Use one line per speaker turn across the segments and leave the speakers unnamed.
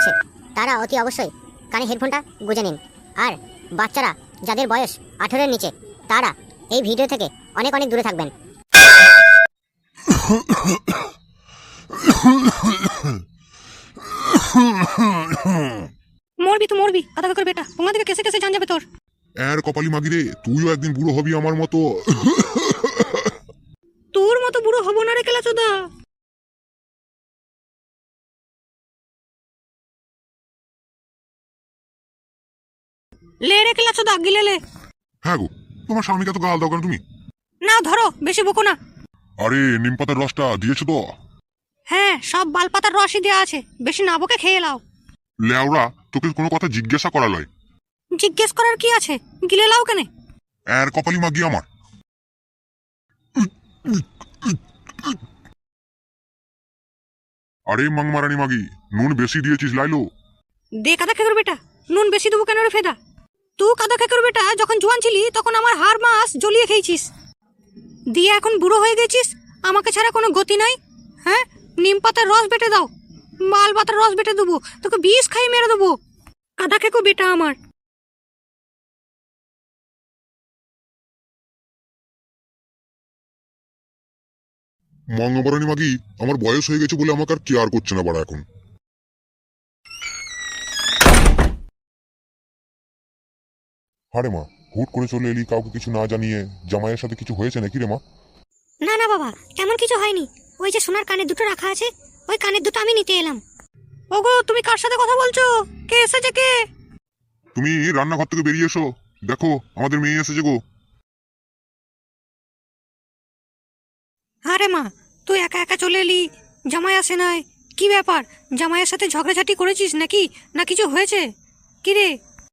হচ্ছে তারা অতি অবশ্যই কানে হেডফোনটা গুঁজে নিন। আর বাচ্চারা যাদের বয়স 18-এর নিচে তারা এই ভিডিও থেকে অনেক অনেক দূরে থাকবেন।
মরবি তো মরবি, আধা করে বেটা, তোমার দিকে কেসে কেসে জান যাবে তোর।
এর কপালি মাগিরে, তুইও একদিন বুড়ো হবি আমার মতো।
তোর মতো বুড়ো হব না রে কেলাচোদা। লে রে কেলাচোদা, গিলে লে।
হ্যাঁ গো, তোমার স্বামীকে তো গাল দাও কেন তুমি?
না ধরো, বেশি বকো না।
আরে নিম পাতার রসটা দিয়েছো তো?
হ্যাঁ, সব বালপাতার রসই দেওয়া আছে, বেশি না বকে খেয়ে লাও।
লেওরা, তোকে কোনো কথা জিজ্ঞাসা করা লয়।
জিজ্ঞেস করার কি আছে, গিলে লাও কেনে?
এর কপালি মাগি আমার। আরে মাংমারানি মাগি, নুন বেশি দিয়েছিস লাইলো।
দে কাদা খেকর বেটা, নুন বেশি দেবো কেন রে ফেদা? তুই কাদা খেকর বেটা, যখন জোয়ান ছিলি তখন আমার হাড় মাস জ্বলিয়ে খেয়েছিস, দিয়ে এখন বুড়ো হয়ে গেছিস, আমাকে ছাড়া কোনো গতি নাই। হ্যাঁ, নিম পাতার রস বেটে দাও, মাল পাতার রস বেটে দেবো, তোকে বিষ খাই মেরে দেবো কাদা খেকো বেটা আমার।
মাংমারানি মাগি, আমার বয়স হয়ে গেছে বলে আমাকে আর কেয়ার করছে না বাড়া এখন। আরে মা, হুট করে চলে এলি কাউকে কিছু না জানিয়ে। জামাইয়ের সাথে কিছু হয়েছে নাকি রে মা?
না না বাবা, এমন কিছু হয়নি। ওই যে সোনার কানের দুটো রাখা আছে, ওই কানের দুটো আমি নিতে এলাম।
ওগো, তুমি কার সাথে কথা বলছো? কে এসেছে কে?
তুমি রান্নাঘর থেকে বেরিয়ে এসো, দেখো আমাদের মেয়ে এসেছে গো।
আরে মা, তুই একা একা চলে এলি, জামাই আসে নাই, কি ব্যাপার? জামাইয়ের সাথে ঝগড়াঝাটি করেছিস নাকি, না কিছু হয়েছে কি রে?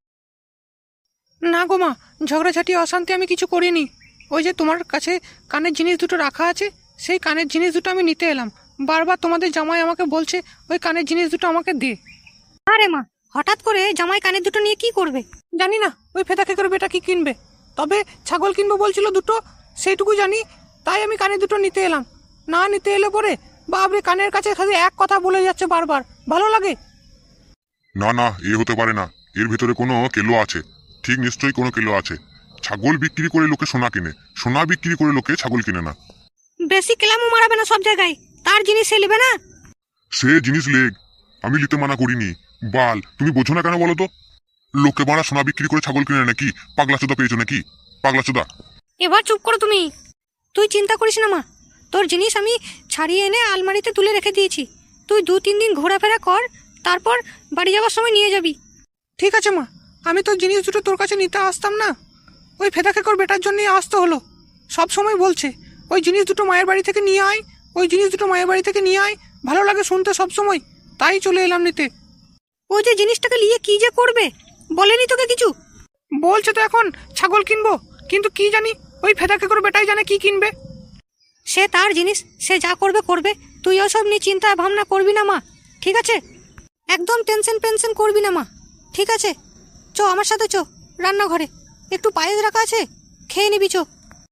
না গো মা, ঝগড়াঝাটি অশান্তি আমি কিছু করিনি। ওই যে তোমার কাছে কানের জিনিস দুটো রাখা আছে, সেই কানের জিনিস দুটো আমি নিতে এলাম। বারবার তোমাদের জামাই আমাকে বলছে ওই কানের জিনিস দুটো আমাকে দে। আরে মা, হঠাৎ করে জামাই কানের দুটো নিয়ে কি করবে? জানি না, ওই ফেদা খেকর বেটা কি কিনবে, তবে ছাগল কিনবো বলছিল দুটো, সেইটুকু জানি, তাই আমি কানের দুটো নিতে এলাম। না নিতে এলে পরে বাবরে কানের কাছে খালি এক কথা বলে যাচ্ছে বারবার, ভালো লাগে
না না, এ হতে পারে না, এর ভিতরে কোনো কেলো আছে, ঠিক নিশ্চয়ই কোনো কেলো আছে। ছাগল বিক্রি করে লোকে সোনা কিনে, সোনা বিক্রি করে লোকে ছাগল কিনে না।
বেশি কেলামও মারাবে না সব জায়গায়, তার জিনিস সে নেবে না।
সে জিনিস লেগ, আমি নিতে মানা করিনি। বাল, তুমি বোঝো না কেন বলো তো? লোকে মারা সোনা বিক্রি করে ছাগল কিনে নাকি? পাগলা চোদা পেয়েছো নাকি? পাগলা চোদা।
এবার চুপ করো তুমি, তুই চিন্তা করিস না মা, তোর জিনিস আমি ছাড়িয়ে এনে আলমারিতে তুলে রেখে দিয়েছি। তুই 2-3 দিন ঘোরাফেরা কর, তারপর বাড়ি যাওয়ার সময় নিয়ে যাবি। ঠিক আছে মা, আমি তোর জিনিস দুটো তোর কাছে নিতে আসতাম না, ওই ফেদা খেকর বেটার জন্যই আসতে হলো। সব সময় বলছে ওই জিনিস দুটো মায়ের বাড়ি থেকে নিয়ে আয়, ওই জিনিস দুটো মায়ের বাড়ি থেকে নিয়ে আয়, ভালো লাগে শুনতে সব সময়, তাই চলে এলাম নিতে। ওই যে জিনিসটাকে নিয়ে কি যে করবে, বলেনি তোকে কিছু? বলছে তো এখন ছাগল কিনবো, কিন্তু কি জানি ওই ফেদা খেকর বেটাই জানে কি কিনবে। সে তার জিনিস, সে যা করবে করবে, তুই ওসব নিয়ে চিন্তা ভাবনা করবি না মা, ঠিক আছে? একদম টেনশন করবি না মা, ঠিক আছে? চো আমার সাথে, চো রান্নাঘরে, একটু পায়েস রাখা আছে, খেয়ে নিবি, চো।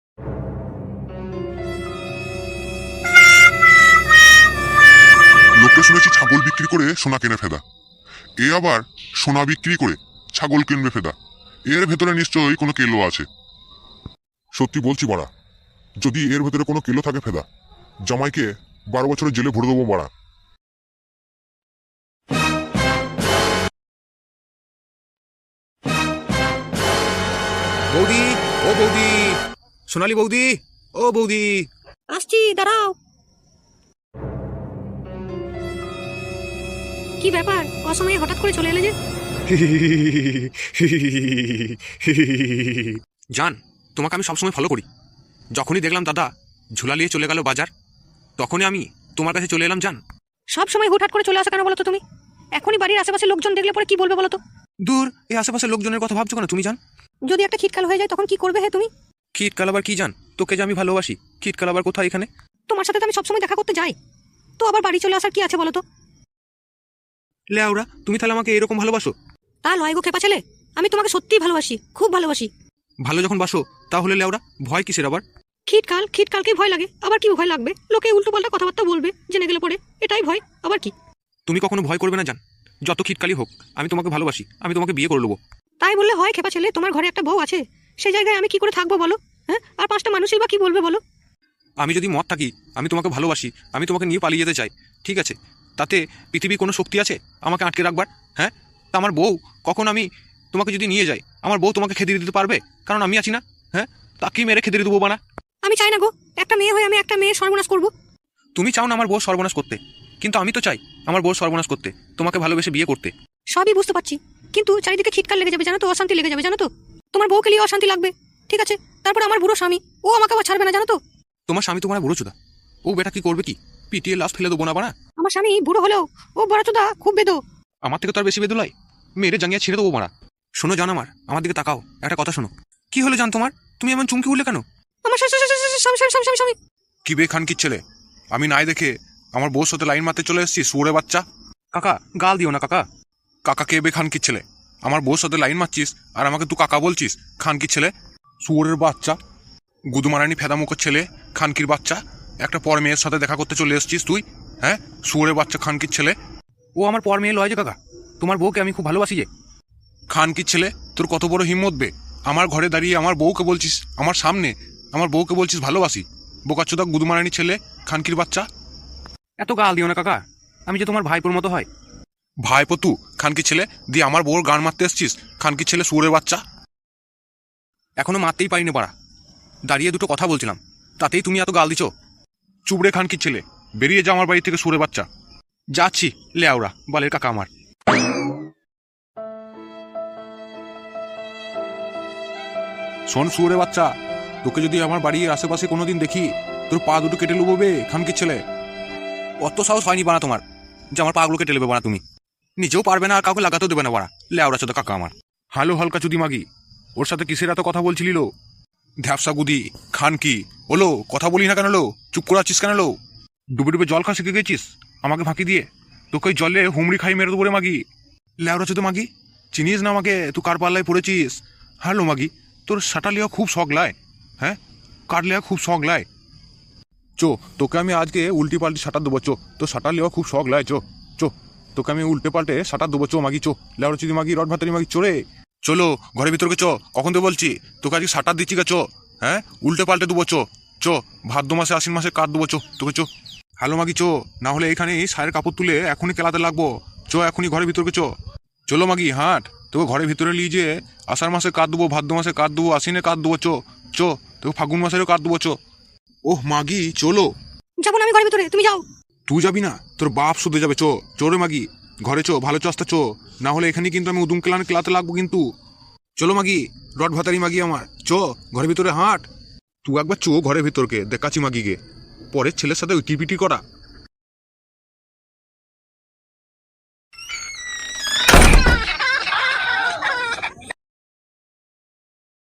লোকে শুনেছি ছাগল বিক্রি করে সোনা কিনে ফেদা, এ আবার সোনা বিক্রি করে ছাগল কিনবে ফেদা। এর ভেতরে নিশ্চয়ই কোনো কেলো আছে। সত্যি বলছি বাড়া, যদি এর ভেতরে কোনো কেলো থাকে ফেদা, জামাইকে 12 বছরের জেলে ভরে দেবো বাড়া।
বৌদি, ও বৌদি, সোনালি বৌদি, ও বৌদি।
আসছি, দাঁড়াও। কি ব্যাপার, অসময়ে হঠাৎ করে চলে এলে যে?
জান, তোমাকে আমি সবসময় ফলো করি। যখনই দেখলাম দাদা ঝুলা নিয়ে চলে গেল বাজার, তখনই আমি তোমার কাছে চলে এলাম জান।
সব সময় হুটহাট করে চলে আসা কেন বলো তো তুমি? এখনই বাড়ির আশেপাশে লোকজন দেখলে পরে কি বলবে বলো তো?
দূর, এই আশেপাশের লোকজনের কথা ভাবছো কেন তুমি জান?
যদি একটা খিটকাল হয়ে যায় তখন কি করবে হে তুমি?
খিটকাল আবার কি জান? তোকে যে আমি ভালোবাসি, খিটকাল আবার কোথায় এখানে?
তোমার সাথে তো আমি সবসময় দেখা করতে যাই, তো আবার বাড়ি চলে আসার কি আছে বলো তো?
লেওরা, তুমি তাহলে আমাকে এরকম ভালোবাসো?
তা লয় গো খেপা ছেলে, আমি তোমাকে সত্যিই ভালোবাসি, খুব ভালোবাসি।
ভালো যখন বাসো, তাহলে লেওরা ভয় কিসের আবার?
খিটকালকে ভয় লাগে, আবার কি ভয় লাগবে? লোকে উল্টো পাল্টা কথাবার্তা বলবে জেনে গেলে পরে, এটাই ভয়, আবার কি?
তুমি কখনো ভয় করবে না জান, যত খিটকালি হোক আমি তোমাকে ভালোবাসি, আমি তোমাকে বিয়ে করে নেবো।
তাই বললে হয় খেপা ছেলে? তোমার ঘরে একটা বউ আছে, সেই জায়গায় আমি কি করে থাকবো বলো? হ্যাঁ, আর 5টা মানুষই বা কি বলবে বলো?
আমি যদি মত থাকি, আমি তোমাকে ভালোবাসি, আমি তোমাকে নিয়ে পালিয়ে যেতে চাই, ঠিক আছে, তাতে পৃথিবীর কোনো শক্তি আছে আমাকে আটকে রাখবার? হ্যাঁ, তা আমার বউ কখন আমি তোমাকে যদি নিয়ে যাই, আমার বউ তোমাকে খেদিয়ে দিতে পারবে? কারণ আমি আছি না। হ্যাঁ, তাকেই মেরে খেদিয়ে দেবো বানা।
আমি চাই না গো একটা মেয়ে হয়ে আমি একটা মেয়ে সর্বনাশ করবো।
তুমি চাও না আমার বউ সর্বনাশ করতে, কিন্তু আমি তো চাই আমার বউ সর্বনাশ করতে, তোমাকে ভালোবেসে বিয়ে করতে।
সবই বুঝতে পারছি, কিন্তু চারিদিকে খিটকাল লেগে যাবে জানো তো, অশান্তি লেগে যাবে জানো তো। তোমার বউকে নিয়ে অশান্তি লাগবে, ঠিক আছে, তারপর আমার বুড়ো স্বামী, ও আমাকে আবার ছাড়বে না জানো তো।
তোমার স্বামী তোমার বুড়ো চোদা, ও বেটা কি করবে কি? পিটিয়ে লাশ ফেলে দেবো না বানা।
আমার স্বামী বুড়ো হলেও ও বড় চোদা, খুব বেদো।
আমার থেকে তো আর বেশি বেদুলাই, মেরে জাঙ্গিয়া ছেড়ে দেবো মারা। শোনো জান, আমার দিকে তাকাও, একটা কথা শোনো। কি হলো জান তোমার? তুমি এমন চুমকি উঠলে কেন?
আমার স্বামী।
কি বে খানকির ছেলে, আমি নাই দেখে আমার বউর সাথে লাইন মারতে চলে এসেছি, শুয়োরে বাচ্চা।
কাকা গাল দিও না কাকা।
কাকা কে বে খানকির ছেলে? আমার বউর সাথে লাইন মারছিস আর আমাকে তুই কাকা বলছিস? খানকির ছেলে, শুয়োরের বাচ্চা, গুদুমারানি ফেদামুখের ছেলে, খানকির বাচ্চা। একটা পর মেয়ের সাথে দেখা করতে চলে এসেছিস তুই? হ্যাঁ, শুয়োরের বাচ্চা খানকির ছেলে।
ও আমার পর মেয়ে লয় যে কাকা, তোমার বউকে আমি খুব ভালোবাসি যে।
খানকির ছেলে, তোর কত বড় হিম্মত বে? আমার ঘরে দাঁড়িয়ে আমার বউকে বলছিস, আমার সামনে আমার বউকে বলছিস ভালোবাসি? বোকাচ্চোদা গুদুমারানি ছেলে, খানকির বাচ্চা।
এত গাল দিও না কাকা, আমি যে তোমার ভাইপোর মতো হয়।
ভাইপো তু খানকির ছেলে, দিয়ে আমার বউর গান মারতে এসছিস? খানকির ছেলে, শুয়োরের বাচ্চা।
এখনো মারতেই পারিনি পারা, দাঁড়িয়ে দুটো কথা বলছিলাম, তাতেই তুমি এত গাল দিছো।
চুবড়ে খানকির ছেলে, বেরিয়ে যা আমার বাড়ি থেকে, শুয়োরের বাচ্চা।
যাচ্ছি লেওরা বালের কাকা আমার।
শোন শুয়োরের বাচ্চা, তোকে যদি আমার বাড়ির আশেপাশে কোনোদিন দেখি, তোর পা দুটো কেটে নেবো বে খানকির ছেলে।
অত সাহস হয়নি বানা তোমার যে আমার পাগুলো কেটে নেবে বানা। তুমি নিজেও পারবে না আর কাউকে লাগাতেও দেবে না বানা, লেওরা চোদা কাকা আমার।
হ্যালো হালকা চুদি মাগি, ওর সাথে কিসের এত কথা বলছিলি লো? ধ্যাপসা গুদি খান কি ওলো, কথা বলি না কেন লো? চুপ করে আছিস কেন লো? ডুবে ডুবে জল খা শিখে গেছিস আমাকে ফাঁকি দিয়ে? তোকে ওই জলে হুমড়ি খাই মেরে দেবো রে মাগি, লেওরা চোদা মাগি। চিনিস না আমাকে? তুই কার পাল্লায় পড়েছিস? হ্যালো মাগি, তোর সাটা লিয়া খুব শখ লাই? হ্যাঁ, কার লিয়া খুব শখ লাই? চো, তোকে আমি আজকে উল্টি পাল্টি সাঁটার দেবো। চো, তোর সাঁটার লিয়া খুব শখ লাই। চো চো, তোকে আমি উল্টে পাল্টে সাঁটার দেবো। চো মাগি, চো লেওরা চুদি মাগি, রড ভাতারি মাগি, চোরে চলো ঘরের ভিতরকে। চো, কখন তো বলছি তোকে আজকে সাঁটার দিচ্ছি গা। চো, হ্যাঁ, উল্টে পাল্টে দেবো। চো চো, ভাদ্র মাসে আশ্বিন মাসে কাট দেবো। চো তোকে, চো হ্যালো মাগি, চো, না হলে এখানেই সায়ের কাপড় তুলে এখনই কেলাতে লাগবো। চো এখনই ঘরের ভিতরকে চো। চলো মাগি হাঁট, তোকে ঘরের ভিতরে নিয়ে যে আষাঢ় মাসে কাট দেবো, ভাদ্র মাসে কাট দেবো, আশ্বিনে কাট দেবো। চো চো, তোকে ফাগুন মাসেরও কাট দেবো। চো। ওহ মাগি চলো।
যাবো না আমি ঘরের ভিতরে, তুমি যাও।
তুই যাবি না? তোর বাপ শুধু যাবে। চো চোরে মাগি, ঘরে চো, ভালো চস্তা চো, না হলে এখানে কিন্তু আমি উদুম কেলাতে লাগবো কিন্তু। চলো মাগি, রড ভাতারি মাগি আমার, চো ঘরের ভিতরে হাঁট। তুই একবার চো ঘরের ভিতরকে, দেখাচ্ছি মাগিকে, পরের ছেলের সাথে উইটিপিটি করা।